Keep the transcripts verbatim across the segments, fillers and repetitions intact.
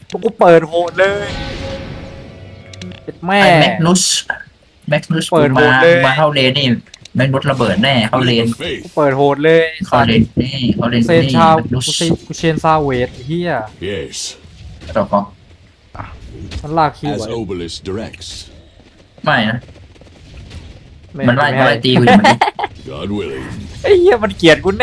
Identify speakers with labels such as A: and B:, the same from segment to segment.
A: กูเปิดโหดเลยแม่
B: ไอ้แม็กนุสแม็กนุส
A: เปิดโห
B: มา
A: ดเลย
B: มาเข้าเลนนี่แม็กนุสระเบิดแน่เข้าเลน
C: Leap of
A: กู
C: faith.
A: เปิดโหดเลย
B: เข้าเลนนี่เข้าเลน
A: เซน
B: นี่
A: ชาว
B: แม็กนุส
A: กูเซนกูเชนซาเวทเฮีย
C: Yes,
B: ต่อของ
A: มันลากคิว
C: as
A: ไว้
C: Obelisk directs.
B: ไม่นะ
A: ไม่
B: มันไล่
A: ไม่
B: มัน
A: ให้
B: ไล่ตีกูอยู่มัน
C: God willing.
A: ไอ้เหี้ยมันเกลียดกูแน่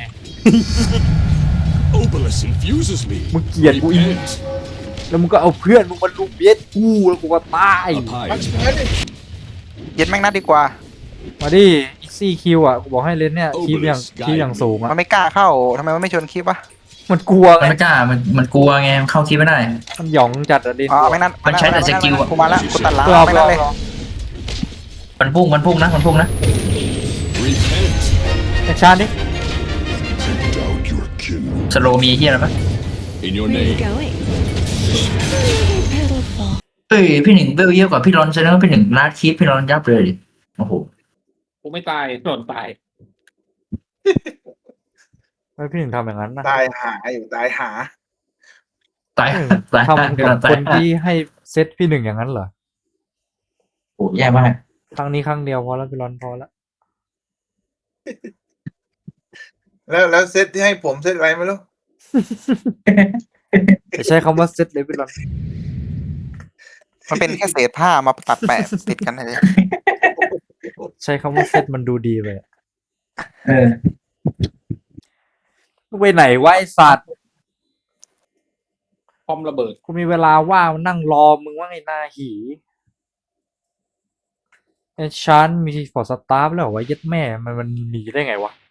C: Obelisk infuses me.
A: มึงเกลียดกูอีก
C: Repent.
A: แล้วมึงก็เอาเพื่อนมึงมาลุมเบียดกูแล้วกูก็ตาย
C: A pious
D: เย็นแม่งนัดดีกว่า
A: มาดิอีซี่คิวอ่ะกูบอกให้เล่นเนี่ยคีบอย่างคีบอย่างสูง
D: มั
A: อ่ะ
D: นไม่กล้าเข้าทำไมมันไม่ชวนคลิปวะ
A: มันกลัว
B: มัน
A: ไง
B: ไม่กล้ามันมันกลัวไงมันเข้าคิดไม่ได้
A: มันหยองจัดอะเล่น
D: อ๋อแม่งนัด
B: มันใช้แต่สกิลอะ
D: กูมาละกูตัดหล้าง
A: รอบ
D: แม่ง
A: ร
D: นั
A: อ
D: ด
A: บ
D: เลย
A: รอบ
B: มันพุ่งมันพุ่งนะมันพุ่งนะ
C: repent.
A: แอคชานดิ
C: Doubt your kin.
B: สโลมีที่อะไรปะ
C: In your
E: Where are you
C: name.
E: going? Pitiful.
B: เฮ้ยพี่หนึ่งเวลเยอะกว่าพี่รอนแสดงว่าพี่หนึ่งลาดคีปพี่รอนยับเลยดิโอ้โห
F: กูไม่ตายโดนตาย
A: ไม่พี่หนึ่งทำอย่างนั้นนะ
G: ตายหาอยู่ตายหา
B: ตาย
A: พี่หนึ่ง
B: ตาย
A: ทำ
B: พี่ร
A: กั
B: อบ นตา
A: ค
B: ย
A: นที่ให้เซตพี่หนึ่งอย่างนั้นเหรอ
B: โอ้แย่มาก
A: ครั้งนี้ครั้งเดียวพอแล้วพี่รอนพอแล้ว
G: แล้วแล้วเซตที่ให้ผมเซตอะไรไม่รู้
A: จะใช้คำว่าเซตเลยพี่รอน
D: มันเป็นแค่เศษผ้ามาตัดแปะติดกันเลย
A: ใช้คำว่าเซตมันดูดีไปอะ
B: เออ
A: ไปไหนวะไอสัตว์
F: พร้อมระเบิด
A: กูมีเวลาว่างมานั่งรอมึงว่าไงหน้าหีไอ้ชันมีฟอร์สตาร์ฟแล้วเหรอวะเย็ดแม่มันมันมีได้ไงวะ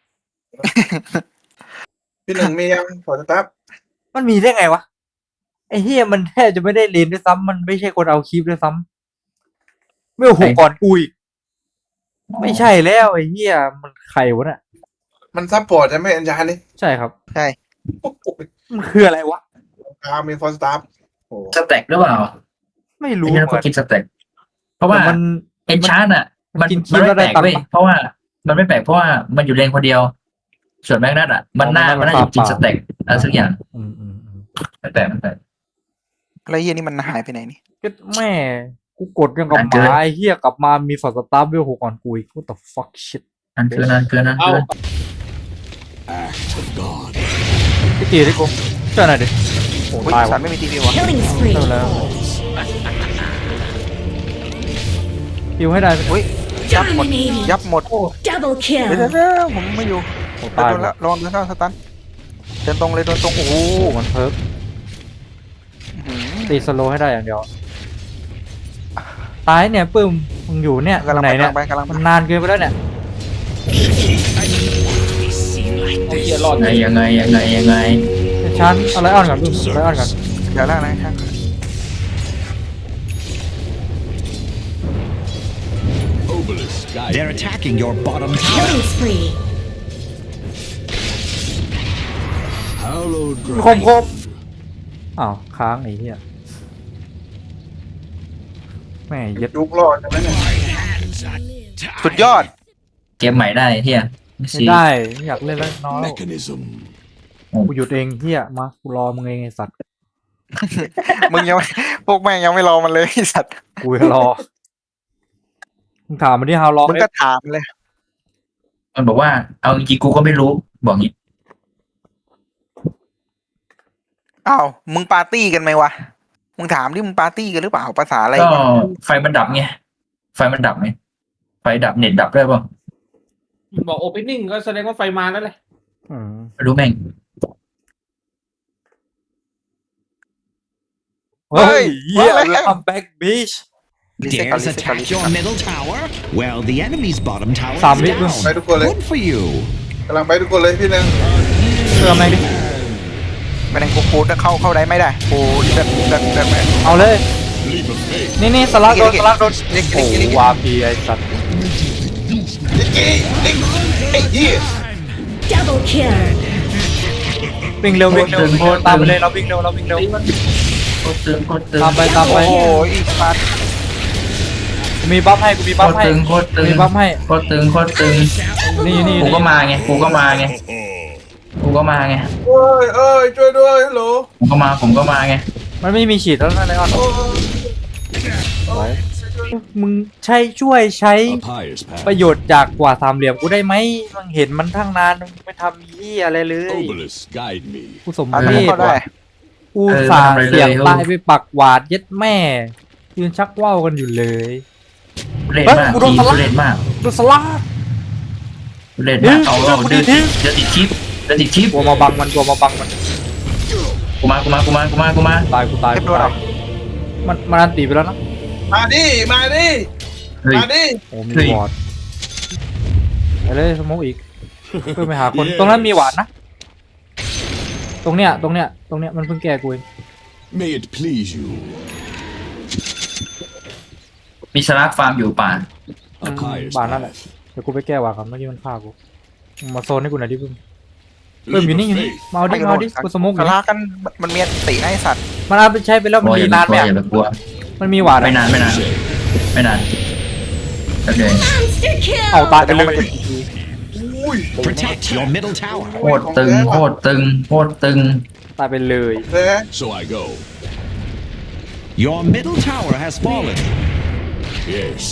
G: พี่หนึ่งมียังพอสตาร์ท
A: มันมีได้ไงวะไอ้เฮียมันแทบจะไม่ได้เรียนด้วยซ้ำมันไม่ใช่คนเอาคลิปด้วยซ้ำไม่โอ้โหก่อนกูอีกไม่ใช่แล้วไอ้เฮียมันใครวะน่ะ
G: มันซัพพอร์ตใช่ไหมอัญชานี่
A: ใช่ครับ
D: ใช่
G: โอ้โห
A: มันคืออะไรวะ
G: ตามีฟอสตาร์โอ้โห
B: สแต็กหรือเปล่า
A: ไม่
B: ไม่
A: รู้
B: งั้นก็กินสแต็กเพราะว่า
A: แต่มัน
B: เอ็นชาร์ดอ่ะ มัน
A: กินคี
B: มัน
A: ย์แล้
B: ไม่
A: ว
B: แป
A: ได้
B: ลก
A: ตังค์
B: เว้ย
A: ปะ
B: เพราะว่ามันไม่แปลกเพราะว่ามันอยู่เลนคนเดียว ส่วนแม็กนัทอ่ะ มันน่า
A: อ๋อมั
B: มัน
A: น
B: น่าจะกิน
A: เป
B: ส
A: ล่า
B: แต็กอะไรสักอย่าง
A: อืมอืมอืม
B: ไม่แปลกไม่แปลก
D: แล้วเฮียนี่มันหายไปไหนนี่
A: ก็แม่กูกดยังกับห
B: อ่ะเจอ
A: มาไอ้เฮียกลับมามีฟอร์สตาร์ฟเวลหกก่อนกูอีก what the fuck shit
B: นั่นคือนั่นคือนั่น
F: เอ้า
B: คือ
C: Act of God.
A: พี่ตีดิกูเจ้าหน่อยดิโอ้
D: อุ้ย
A: ตาย
D: สั
A: วะ
D: ตว์ไม่มีทีวีวะ
E: Killing spree.
A: เจ้าแล้วฮิวให้ได้ไหม
D: อุ้ยยับหมด
E: Dominating.
D: ยับหมด
E: Double
D: เดี๋ยว
E: kill.
D: เดี๋ยวเดี๋ยวผมไม่อยู่
A: โอ้
D: โด
A: ตาย
D: นแล้วลองเดินเข้าสตันเดินตรงเลยเดินตรงโอ้โห
A: โอ้มันเพิร์ก
D: อื้อหือ
A: ตีสโลว์ให้ได้อย่างเดียวตายเนี่ยปื้มมึงอยู่เนี่ย
D: กำลัง
A: ไหน
D: ไป
A: เนี่ย
D: กำลังไปกำลังไป
A: มันนานเกินไปแล้วเนี่ย
F: เอาเกียร์รอด
B: ไงยังไงยังไงยังไง
A: ไอ้ชั้นเอาไลออนก่อนปื้มไลออนก่อน
D: เดี๋ยวแล้วนะครับ
C: Obelisk guide
H: They're
C: me.
H: attacking your bottom tower.
E: Killing spree.
C: Hallowed
A: คมคมอ้าวค้างไอ้เหี้ยแม่เย็ด
G: ยุกรอดใช่ไหมเนี่ย
D: สุดยอด
B: เกมใหม่ได้เฮียไม่
A: ไม่
B: ซี
A: ได้ไม่อยากเล่นแล้วน้อย
C: mechanism.
A: กูหยุดเองเหี้ยมากูรอมึงเองไอ้สัตว์
D: มึงยังไม่พวกแม่งยังไม่รอมันเลยไอ้สัตว์
A: กูจะรอมึงถามมาที่ฮาวลอง
D: มึงก็ถามเลย
B: มันบอกว่า เอาจริงๆกูก็ไม่รู้บอกงี้
D: อ้าวมึงปาร์ตี้กันไหมวะมึงถามดิมึงปาร์ตี้กันหรือเปล่าภาษาอะไร
B: ก็
D: วะ
B: ไฟมันดับไงไฟมันดับไงไฟดับเน็ตดับได้ป่ะ
F: บอกโอเพนนิ่งก็แสดงว่าไฟมาแล้วแหละ
A: อืม
B: ไม่รู้แม่ง
A: เฮ้ยเหี้ยคัมแบ็กบีช
D: รีเซ็ตก่อน
H: Dares
D: รีเซ็ตก่อนรี
H: attack
D: เซ็ต
H: your
D: ก่อน
H: middle tower? Well, the enemy's bottom tower is
A: Sam, wait,
H: down.
G: wait, wait, wait.
H: Good for you.
G: กำลังไปทุกคนเลยพี่หนึ่ง
A: เติมไหนดิ
D: ไม่ได้กูกูจะเข้าเข้าได้ไม่ได้กูเดินเดินเดินไป
A: เอาเลย
C: Leap of faith.
A: นี่นี่สลักโดนสลักโดน
D: เล็ก
A: โอ้
D: เล็กเล็ก
A: วาพีไอ้สัตว์
G: เอ้ยเอ้ยไอ้เหี้ย
E: Double kill.
A: วิ่งเร็ววิ่งเร็ววิ่งเร็วตามไปเลยเราวิ่งเร็วเราวิ่งเร็ว
B: โคตรตึงโคตรตึง
A: ตามไปตามไป
D: โอ้ยอีกปัด
A: กูมีบัฟให้กูมี
B: โค
A: บัฟ
B: ตร
A: ให้
B: ตึงโคตรตึง
A: มีบัฟให้
B: โคตรตึงโคตรตึง
A: นี่นี่
B: กูก็มาไงกูก็มาไงกูก็มาไง
G: โอ้ยเอ้ยช่วยด้วยฮัลโหล
B: ผมก็มาผมก็มาไง
A: มันไม่มีฉีดแล้วนะไลออนไว้มึงใช้ช่วยใช้
C: A pious
A: ประ
C: path.
A: โยชน์จากกว่าสามเหลี่ยมกูได้ไหมมึงเห็นมันทั้งนานมึงไม่ทำยี่อะไรเลย
C: Obelisk, guide me.
A: กูสม
D: อ่ะ
A: เพ
D: ทำ
A: ศ
D: ก็ได้
A: ว่ะกูสาเสียงตายไปปักหวาดเย็ดแม่ยืนชักว่าวกันอยู่เลย
B: เล่น
A: เฮ้ย
B: มาก
A: กูโดน
B: ที
A: สลัก
B: เล่นมาก
A: ดูสลาด
B: เล่นมากเอาเอา
A: เฮ้
B: เดิ
A: ย
B: นเดินติดชิปเดินติดชิป
A: กลัวมาบังมันกลัวมาบังมัน
B: กูมากูมากูมากูมากูมา
A: ตายกูตาย
D: เทป
A: กู
D: โดน
A: ตา
D: เหร
A: ย
D: อ
A: มันมันอันตีไปแล้วนะ
G: มาดิมาดิ
B: เฮ้ย
G: มาดิ
A: โอ้มี
B: เฮ้ย
A: วอร์ดไปเลยสโมกอีกเพื่อไปหาคนตรงนั้นมีหวานนะตรงเนี้ยตรงเนี้ยตรงเนี้ยมันเพิ่งแก้กูเอง
C: May it please you.
B: มีสลักฟาร์มอยู่ป่า
C: A pious
A: บานนั่นแหละ
C: path.
A: เดี๋ยวกูไปแก้หวานครับเมื่อกี้มันฆ่ากูมึงมาโซนให้กูหน่อยดิเพิ่มเพิ่ม
C: Leap
A: อยู่นี่
C: of
A: อยู่นี่
C: faith.
A: มาเอาดิมาเอาดิกูสโมกอยู่
D: ส
A: นี่
D: ลากันมันมีตินะไอสัตว์
A: มันเอาไปใช้ไปแล้วมัน
B: โอ้ย
A: มี
B: อย่าไป
A: นาน
B: ก
A: ไห
B: ลั
A: ม
B: วอย่าไปกลัว
A: มันมีหวานอะ
B: ไม่นานไม่นานไม่นานโอเค
E: Monster kill.
A: เอาตายไปเลย
H: Protect your middle tower.
B: โคตรตึงโคตรตึงโคตรตึง
A: ตายไปเลย
G: เฮ้ย
C: So I go.
H: Your middle tower has fallen.
C: Yes.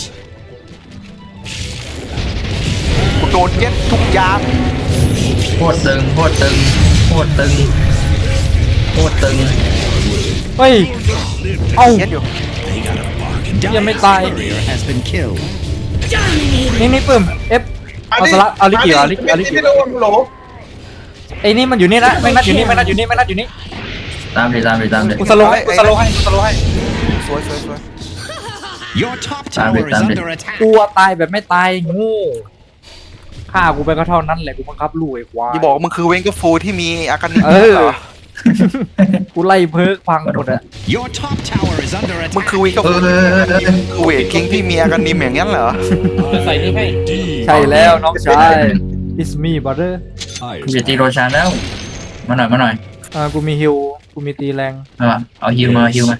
D: กูโดนเย็ดทุกอยาง
B: โคตรตึงโคตรตึงโคตรตึงโคตรตึง
A: เฮ้ยเอ้า
D: เย็ดอยู่
A: ยังไม่ตาย
H: Barrier has been killed.
E: Dominating.
A: นี่นี่ปื้มเอฟเอาสละเอาลิกิเอาลิกิเอาลิกิ
G: ไม่โดนโหล
A: ไอ้นี่มันอยู่นี่นะไม่นัดอยู่นี่ไม่นัดอยู่นี่ไม่นัดอยู่นี่
B: ตามดิตามดิตามดิ
A: กูสโลว์ให้กูสโลว์ให้กูสโลว์ให้
D: สวยสวยสวย
H: Your top tower is
B: Damn it.
H: under attack.
A: กูอะตายแบบไม่ตายงูฆ่ากูไปก็เท่านั้นแหละกูบังคับลูกไอ้ควาย
D: อย่าบอกว่ามึงคือเวนกฟูที่มีอาการนิ
A: เออ
D: เหรอ
A: กูไล่เพิกพังหมดอะ
H: Your top tower is under
D: มึง
H: attack.
D: คือเวนก
B: เอ
D: ฟู
B: อเออเออ
D: คือเวทคิงที่มีอาการนิมอย่างนั้นเหรอ
F: จะใส่นี่ให้
C: Indeed.
A: ใช่แล้วน้องชาย it's me brother
B: กู
C: Pious
B: จะตีโร
C: path.
B: ชานแล้ว มาหน่อยมาหน่อย
A: เออกูมีฮิวกูมีตีแรง
B: เอามาเอาฮิวมาฮิวมา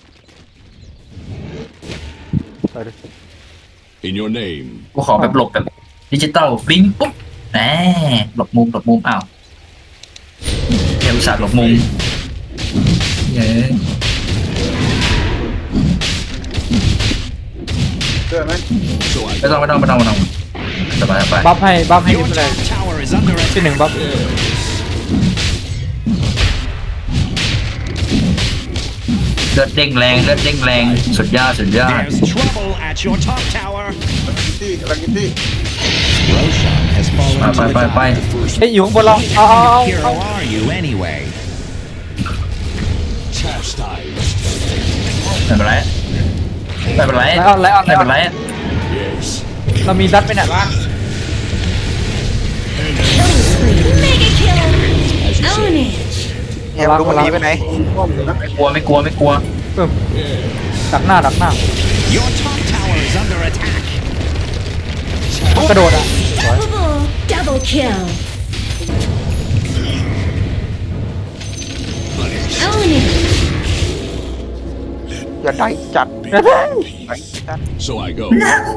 A: ไปดิ
C: In your name.
B: กูขอแบบหลบแบบดิจิตอลฟิงปุ๊บแหมหลบมุมหลบมุมอ้าวเอลสัตว์หลบมุมเย้
G: เชื่อไหม
C: So I
B: ไม่ต้องไม่ต้องไม่ต้องไม่ต้องสบายสบาย
A: บัฟให้บัฟให้
H: Your
A: ดิไปเลย
H: top tower is under
A: ที่
H: attack.
A: หนึ่งบัฟ
B: เลือดเด้งแรงเลือดเด้งแรงสุดยอดสุดยอด
H: There's trouble at your top tower.
G: ที่ลังกิตี้
H: Roshan has
B: ไป
H: fallen
B: ไป
H: to
B: ไป
H: the
B: ไป
H: top.
A: เฮ้ยอยู่ข้างบนเราเอาเอาเอา
H: Hero
A: เอา
H: are you anyway?
C: chastise.
B: ไม่เป็นไรไม่เป็นไร
A: ไลออนไลออนไล
B: ไม่
A: ออ
B: เป็น นไร
C: Yes.
A: เรามีดัดไหมเนี่ย
E: Killing spree. Mega kill.
C: As you
E: Own
C: say.
E: it.
D: แฮมรู้มันหนีไปไหน
B: ไม่กลัวไม่กลัวไม่กลัว
A: เพิ่มดักหน้าดักหน้า
H: Your top tower is under attack.
A: กระโดดอ่ะ
E: Double. Double kill. Own it.
D: อย่าได้จัดได้จัด
C: So I go.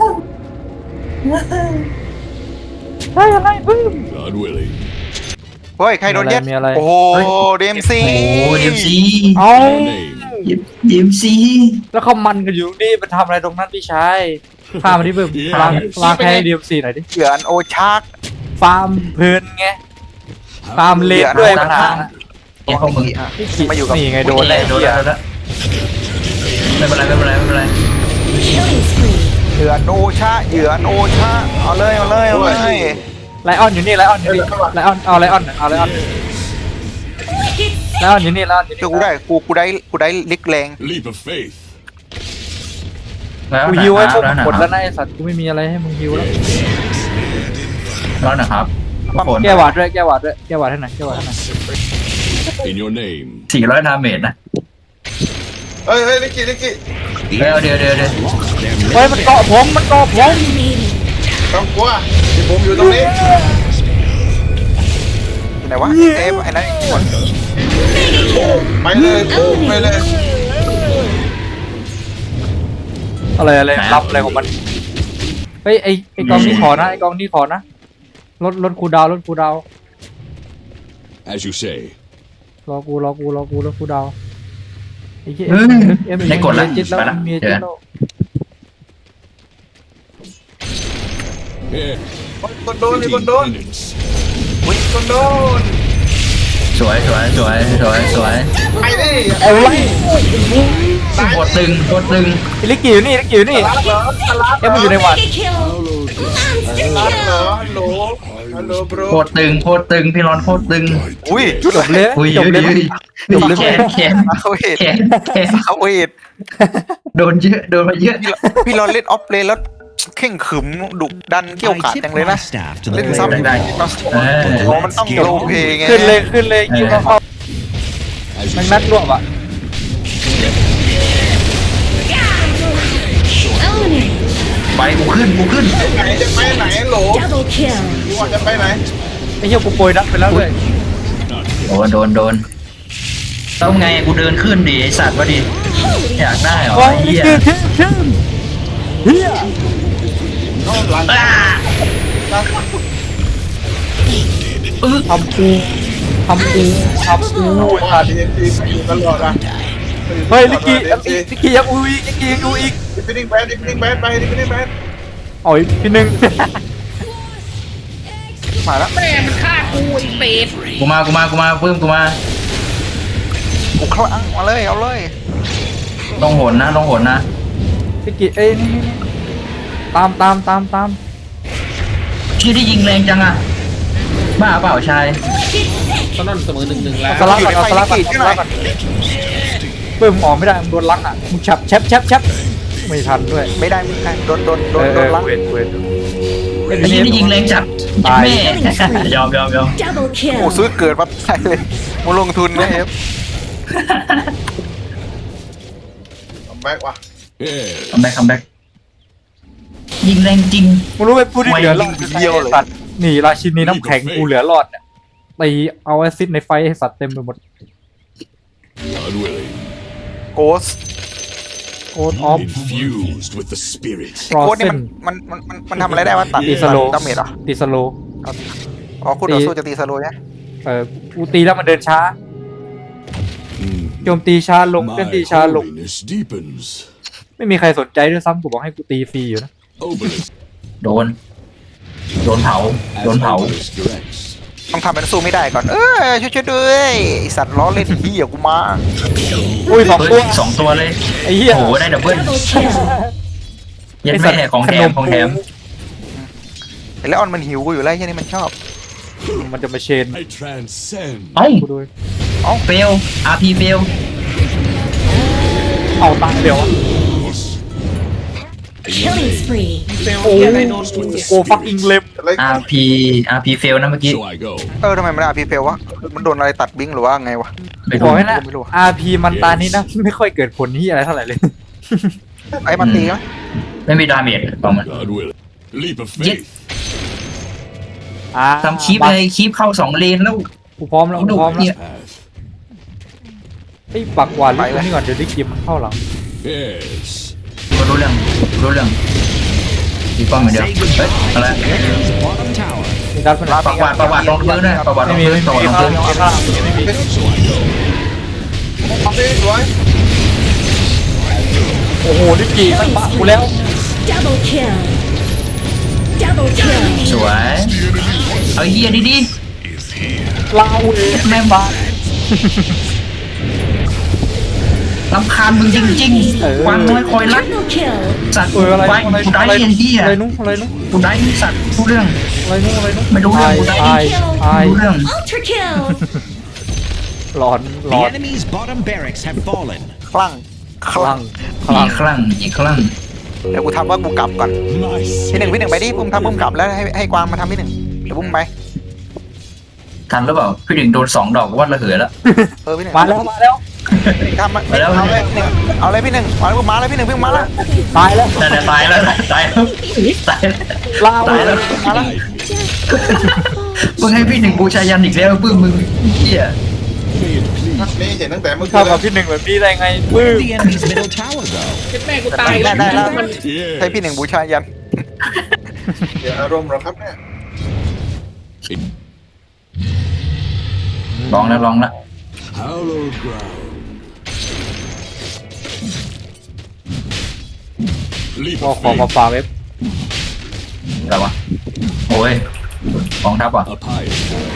A: ใช่อะไรเพิ่ม
C: God willing.
D: เฮ้ย ใครโดนเย็ด
A: มีอะไร
D: โอ้โหเดมซี
B: โอ้เดมซี
A: เอา
C: Your name.
B: เดมซี
A: แล้วเขามันกันอยู่นี่ไปทำอะไรตรงนั้นพี่ชายพามาที่เพิ่มล้างล้างแพ้ดีเอ็มซีหน่อยดิ
D: เหยื่อนโอชาร์ก
A: ฟาร์มเพลินไงฟาร์มเลดด้วยปัญหา
B: เนี่ยพวกมึง
A: พี่ขิ
D: มาอยู่กับ
A: นี่ไงโดน
B: โดน
A: แล้
B: แล้ว วโดนแล้วโดนแล้วไม่เป็นไรไม่เป็นไรไม่เป็นไร
E: Killing spree.
D: เหยื่อนโอชาเหยื่อนโอชาเอาเลยเอาเลยเอาเลย
A: ไลออนอยู่นี่ไลออนอยู่นี่ไลออนเอาไลออนเอาไลออน
E: Wicked
A: ไลออนอยู่นี่ไลออนอยู่
D: เชื่อ
A: นี่
D: กูได้กูกูได้กูได้ลิกแรง
C: Leap of faith.
B: แล้ว
A: กู
B: นะ
A: ฮิว
B: ค
A: ไว้
B: รับ
A: พวก
B: แล้วนะ
A: หมด
B: ค
A: แล้
B: รั
A: ว
B: บ
A: นะไอสัตว์กูไม่มีอะไรให้มึงฮิวแล้ว
B: แล้วนะครับทุกคน
A: แก้หวาดด้วยแก้หวาดด้วยแก้หวาดให้หน่อยแก้หวาดให้หน่อย
C: In your name.
B: สี่ร้อยดาเมจนะ
G: เฮ้ยเฮ้ยลิกกี้ลิกกี้
H: The
B: เดี๋ยวเดี๋ยวเดี๋ยวเดี๋ยว
H: lost their
A: เฮ้ย
H: middle
A: มันเกาะผมมันเกาะผม
E: dominating.
G: ต้องกลัวที่ผมอยู่ตรงนี้
D: อยู่ไหนวะเอฟไอ้นั่นอีกคน
G: ไปเลยไปเลย
A: อะไรอะไรรับอะไรของมันเฮ้ยไอไอกองนี้ขอนะไอกองนี้ขอนะลดลดคูลดาวน์ลดคูลดาวน์
C: As you say.
A: รอกูรอกูรอกูรอกูดาวไออ้เหี้ย
B: เฮ้ย
A: เอ็ม
B: ได้กดละ
A: เมียจิตแล้ว
B: ไปละ
A: เมีย
B: เจ
A: จิ
B: อ
A: ตแล้ว
C: Here.
G: คนโดนมีคนโดน
C: Penance.
G: มีคนโดน
B: สวยสวยสวยสวยสวย
G: ไปดิ
A: เอาไว้
B: โคตรตึงโคตรตึง
A: ไอ้ลิกกี้อยู่นี่ลิกกี้อยู่นี่
G: รับเหรอสลับ
A: เอ็มมันอยู่ในหวัด
E: Mega kill. Monster
G: รับเหรอ
E: kill.
G: ฮัลโหลฮัลโหลบร
B: โคตรตึงโคตรตึงพี่รอนโคตรตึง
D: อุ้ย
A: จบเลย
B: อุ้ย
A: จบเลย
B: อุ้ย
A: จบเลย
B: แขนแขน
D: สาวเวท
B: แขนแขน
D: สาวเวท
B: โดนเยอะโดนมาเยอะ
D: พี่เราเล่นออฟเลนแล้วเข่งขึมดุดันเกี่ยว
H: I
D: ขาด
H: tip
D: จังเลย
H: my
D: นะ
H: staff to the
D: เล่น
H: blade.
D: ซ้ำ
B: ได้ เออ
D: โอ้มันต้องโลเพไง
A: ขึ้นเลยขึ้นเลยยิงเข้าเข้า
C: As you
A: แมัน
C: say.
A: นัดรวบอ่ะ
E: Eliminate.
B: ไปกูขึ้นกูขึ้น
G: ไหนจะไปไหนโหล
E: Double kill.
G: กูว่าจะไปไหน
A: ไอ้เหี้ยกูโปรยนัดไปแล้วเลย
B: โดนโดนโดนต้องไงกูเดินขึ้นดิไอสัตว์วะดิอยากได้เหรอ
A: โอ้ย
B: ไอ้
A: ลิก
B: เหี้ย
A: กี้ชื่อชื่อเฮีย
B: อ่าเออ
A: ทำกูทำกูทำกูขาด
G: ทีเอ็มซีอยู่ตลอดอ่ะ
A: เฮ้ยลิกกี้ลิกกี้ยังอูอีกลิกกี้ยังอูอีก
G: ดิฟฟิ้งแบนดิฟฟิ้งแบนไปดิฟฟิ้งแบน
A: อ๋อยพี่หนึ่ง
D: มาแล้ว
F: แม่มันฆ่ากูไอ้เป็ด
B: กูมากูมากูมาเพิ่มกูมา
D: กูคลั่งมาเลยเอาเลย
B: ต้องโหนนะต้องโหนนะ
A: ลิกกี้เอ้ยนี่นี่นี่ตามตามตามตาม
B: ชื่อที่ยิงแรงจังอะบ้าเปล่าชาย
F: ตอนนั้นเสมอหนึ่งหนึ่งแล้ว
A: เอาสลักก่อนเอาสลักก่อนเอาสลักก่อนเพิ่มออกไม่ได้มึงโดนลักอ่ะมึงฉับแชบแชบแชบไม่ทันด้วย
D: ไม่ได้ไม่ได้โดนโดนโด
A: เอน อ
D: โด
A: เอน อ
D: ลัง
A: เวทเวท
B: ไอ้ยี่นี่ยิงแรงจัด
A: ตาย
B: แม่ยอมยอมยอม
E: Double
D: โอ้
E: kill.
D: ซื้อเกิดมาใช่เลยมาลงทุนนะเอฟ
G: ทำแบ็กว่ะ
C: Yes.
B: คัมแบ็คคัมแบ็คยิงแรงจริง
A: มึงรู้ไหมผู้ที่เหลือรอดสัตว์หนีราชินีน้ำแข็งกูเหลือรอดเนี่ยตีเอาแอซิดในไฟให้สัตว์เต็มไปหมด
C: God willing.
D: โกส
A: โค้ดออฟ
C: Infused with the spirit.
A: รอ
D: โกส
A: เซ
D: นี่
A: น
D: มันมันมันมันมันทำอะไรได้วะตัด
A: ตีสโล
D: ดาเมจเหรอ
A: ตีสโล
D: อ๋อคุณต่อสู้จะตีสโลเนี่ย
A: เออกูตีแล้วมันเดินช้า
C: Mm.
A: โจมตีช้าลงเคลื่อน
C: My
A: ตีช้าลง
C: holiness deepens.
A: ไม่มีใครสนใจด้วยซ้ำกูบอกให้กูตีฟรีอยู่นะ
C: Obelisk
B: โดน โดนเผา
C: as
B: โดนเผา
C: Obelisk directs.
D: ต้องทำเป็นสู้ไม่ได้ก่อน เออช่วยช่วยด้วยไอสัตว์ล้อเล่นเหี้ยกูมา
A: อุ้ยสอง
B: เฮ้
A: ตั
B: ยว สองตัวเลย
A: ไอ้เหี้ย
B: โอ้โหได้ดับเบิ้ล
E: Double kill.
B: ยันแม่ของแถมของแถม
D: ไอแล้วออนมันหิวกูอยู่แล้วไอ้เหี้ยนี่มันชอบ
A: มันจะมาเชน
C: I transcend.
B: เอ้า
A: กูด้วย
B: เฟล อาร์ พี เฟล
A: เอาตังค์เดี๋ยวอะ
C: In your
E: Killing
C: name.
E: spree.
F: เฟลเฮียอะไรโดนกู
A: โอ้ฟักอิงเล็บ
G: อะไร
B: อาร์ พี อาร์ พี เฟลนะเมื่อกี้
C: So I go.
D: เออทำไมมันอาพีเพลวะมันโดนอะไรตัดบิงหรือว่าไงวะ
B: ไป
A: บ
B: ดู
A: อกให้นะ
D: ไม่รู้อะ
A: อาร์ พี มันตานี้นะ ไม่ค่อยเกิดผลที่อะไรเท่าไหร่เลย
D: ไอ้มันตีไหม
B: ไม่มีดาเมจของมัน
C: God willing. Leap of
B: Yes.
C: faith.
A: อ่า
B: ทำคลิปเลยคลิปเข้าสองเลนแล้ว
A: กูพร้อมแล้วกูพร้อมแล้ว
B: เนี่ย
C: Path.
A: ไอ้ปักหวานลูกนี่ก่อนเดี๋ยวได้กิมมันเข้าหลัง
C: Yes.
B: รู้เรื่องรู้เรื่องมีป้อมเหมือนเดิมเฮ้ยอะไร
H: Enemy's bottom tower.
A: มีดัดมัน
B: ประวัติประวัติลงพื้นด้วยประวัติล
A: ไม่
B: ง
A: มี
B: พื้น
A: ไม่
B: ประวัติ
A: มี
B: ลง
A: ข้าง
B: พื้น
A: ไม่มี
C: So I go.
G: ทำได้สวย
A: โอ้โหลิกกี้มันปะกูแล้ว
E: Double kill. Double kill.
B: สวยเอาเฮียดีดี
A: ลาวเองแม่บ้าน
B: ลำคาญมึงจริง
A: เออ
B: ๆวางน้อยคอยรัก
E: Triple kill.
B: สัตว์
A: เอออะไร
B: ไว้
A: อะไร
B: กูได้
A: อะไร
B: ไอ้เฮีย
A: อะไรนู้นอะไรนู้น
B: กูได้สัตว์รู้เรื่อง
A: อะไรนู้นอะไรนู้น
B: ไม่รู้เรื่องกูได้
A: ตายตาย
B: รู้เรื่อง
E: Ultra kill.
A: หลอนหล
H: The
A: อน
H: enemy's bottom barracks have fallen.
D: คลั่งค
A: คลั่
D: ลั่
A: ง
D: ง
A: คลั่
B: อี
A: ง
B: กครั้งอีกครั้ง
D: เดี๋ยวกูทำว่ากูกลับก่อน
C: Nice.
D: พี่หนึ่งพี่หนึ่งไปดิปุ้มทำปุ้มกลับแล้วให้ให้กวางมาทำพี่หนึ่งเดี๋ยวปุ้มไป
B: ทันหรือเปล่าพี่ดึงโดนสองดอกวัดระเหยแล้ว
D: เออพี่หนึ่ง
A: มาแล้วมาแล้ว
D: ทำมา
B: มาแล้ว
D: เอาเลยพี่หนึ่งเอาเลยพี่หนึ่งมาแล้วมาแล้วพี่หนึ่งพี่มาแล้ว
A: ตายแล้ว
B: นั่นแหละตายแล้วตายแล้วตายแล้ว
A: ลาว
B: ตายแล้ว
D: มาแล้ว
B: มึงให้พี่หนึ่งบูชายันอีกแล้วปื้มมึงเฮีย
G: นี่เห็นตั้งแต่เมื่อ
A: เข้า
G: กี้
A: กับพี่หนึ่งแบบนี้ได้ไงปื้
H: Where
A: ม
H: did the enemy's middle tower go?
F: แม่กูตายแล้ว
D: ได้แล้ว
F: มัน
C: Yes.
D: ให้พี่หนึ่งบูชายัน
G: เดี๋ยวอารมณ์เหรอครับเนี่ย
B: ลองแล้วลองแล้ว
C: Hallowed ground. Leap
A: เอา
C: of
A: ของมา
C: faith.
A: ฝากเว็บ
B: อะไรวะโอ้ยกองทัพอ่ะ
C: A pyre.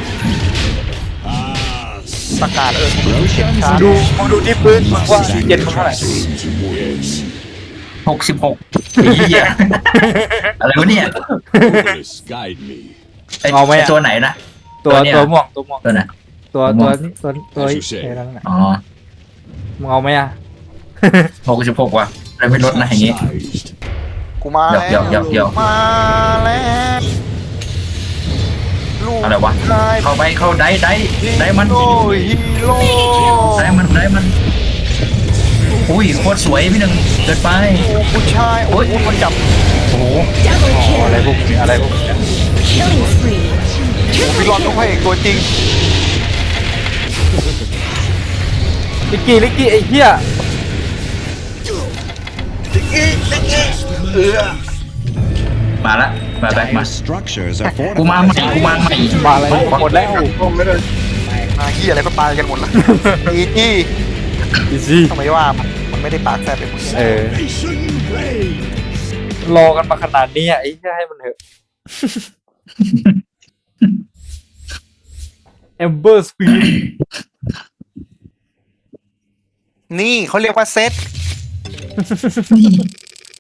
C: Ah,
D: ประกาศเออกูดูเช็คชาร์
A: ดูมึงดูที่พื้นมึงว่าเย็นมึงเท่าไหร่
C: yes.
B: หกสิบหกเหี้ยอะไรวะเนี่ย
C: Openness, guide me.
B: ไอ้
A: เอาไหมอะ
B: ไอ้ตัวไหนนะ
A: ตัว
B: ตัวเนี่ย
A: ตัวม่วงตัวม่วง
B: ตัวไหน
A: ตัวตัวนี้ตัวตัว
C: As
A: ไอ้
C: you say
A: ไอ้นั่นน่ะ
B: อ๋อ
A: มึงเอาไหมอ่ะ
B: หกสิบหกว่ะอะไรไม่ลดนะอย่างงี้
C: Sized.
D: กูมา
B: เดี๋ยวเดี๋ยวเดี๋ยว
D: มาแล้วลูก
B: อะไรวะ
D: ชาย
B: เข้าไปเข้าได้ได้ได้มัน
D: โอ้ยฮีโร่
B: ได้มันได้มันอุ้ยโคตรสวยพี่หนึ่งเกิดไป
D: โอ้ผู้ชายโอ้ยมันจับ
B: โอ้โห
E: Double
A: อ๋ออะไร
E: kill.
A: พวกนี้อะไรพวกนี้
E: Killing spree.
D: พี่รอนต้องพระเอกตัวจริง
A: ลิกกี้ลิกกี้ไอ้เหี้ย
B: มาละมาแบ็คมา
H: Dire structures are
B: กูมาใหม่กูมาใหม่
A: มาอะไรหมดแล้ว
D: มาเฮียอะไรก็ตายกันหมดละอีจี้
A: อีซี่
D: ทำไมว่ามันมันไม่ได้ปากแซ่บเป็นพวกนี้
A: เออ
C: Nation reigns.
A: รอกันมาขนาดนี้อ่ะไอ้เหี้ยให้มันเถอะ Ember Speed
D: นี่เขาเรียกว่าเซต